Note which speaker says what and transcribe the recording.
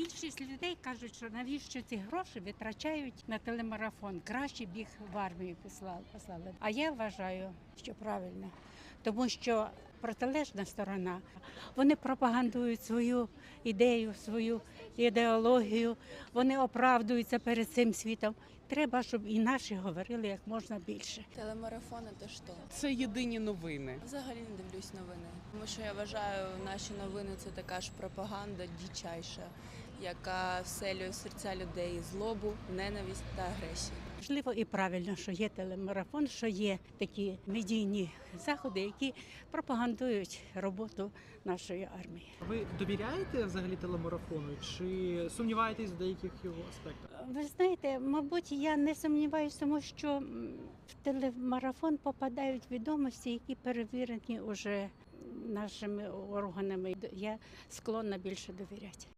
Speaker 1: Більшість людей кажуть, що навіщо ці гроші витрачають на телемарафон. Краще б їх в армію послали. А я вважаю, що правильно, тому що протилежна сторона, вони пропагандують свою ідею, свою ідеологію, вони оправдуються перед цим світом. Треба, щоб і наші говорили як можна більше.
Speaker 2: Телемарафони – то що?
Speaker 3: Це єдині новини.
Speaker 2: Взагалі не дивлюсь новини. Тому що я вважаю, наші новини – це така ж пропаганда дичайша, яка вселює в серця людей злобу, ненависть та агресію.
Speaker 1: Можливо, і правильно, що є телемарафон, що є такі медійні заходи, які пропагандують роботу нашої армії.
Speaker 4: Ви довіряєте взагалі телемарафону чи сумніваєтесь в деяких його аспектах?
Speaker 1: Ви знаєте, мабуть, я не сумніваюся, тому що в телемарафон попадають відомості, які перевірені вже нашими органами. Я склонна більше довіряти.